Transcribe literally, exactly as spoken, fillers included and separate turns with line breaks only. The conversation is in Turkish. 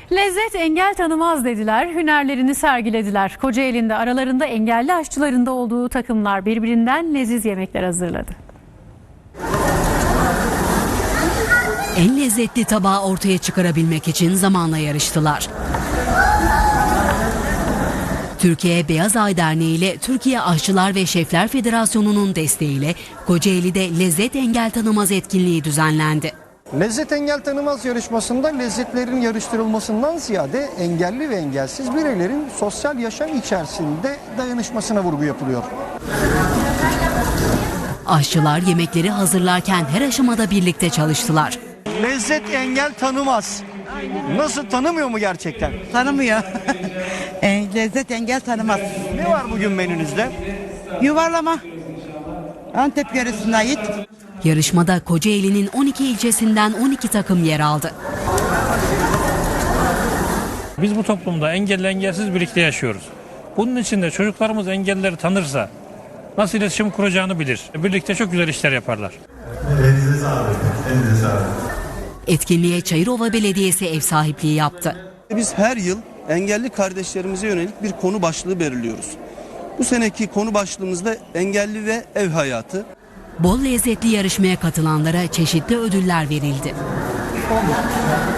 Lezzet engel tanımaz dediler, hünerlerini sergilediler. Kocaeli'nde aralarında engelli aşçıların da olduğu takımlar birbirinden leziz yemekler hazırladı.
En lezzetli tabağı ortaya çıkarabilmek için zamanla yarıştılar. Türkiye Beyaz Ay Derneği ile Türkiye Aşçılar ve Şefler Federasyonu'nun desteğiyle Kocaeli'de lezzet engel tanımaz etkinliği düzenlendi.
Lezzet engel tanımaz yarışmasında lezzetlerin yarıştırılmasından ziyade engelli ve engelsiz bireylerin sosyal yaşam içerisinde dayanışmasına vurgu yapılıyor.
Aşçılar yemekleri hazırlarken her aşamada birlikte çalıştılar.
Lezzet engel tanımaz. Nasıl, tanımıyor mu gerçekten?
Tanımıyor. E, lezzet engel tanımaz.
Ne var bugün menünüzde?
Yuvarlama. Antep yöresine ait.
Yarışmada Kocaeli'nin on iki ilçesinden on iki takım yer aldı.
Biz bu toplumda engelli engelsiz birlikte yaşıyoruz. Bunun için de çocuklarımız engellileri tanırsa nasıl iletişim kuracağını bilir. Birlikte çok güzel işler yaparlar.
Elinize sağlık. Elinize sağlık.
Etkinliğe Çayırova Belediyesi ev sahipliği yaptı.
Biz her yıl engelli kardeşlerimize yönelik bir konu başlığı belirliyoruz. Bu seneki konu başlığımızda engelli ve ev hayatı.
Bol lezzetli yarışmaya katılanlara çeşitli ödüller verildi.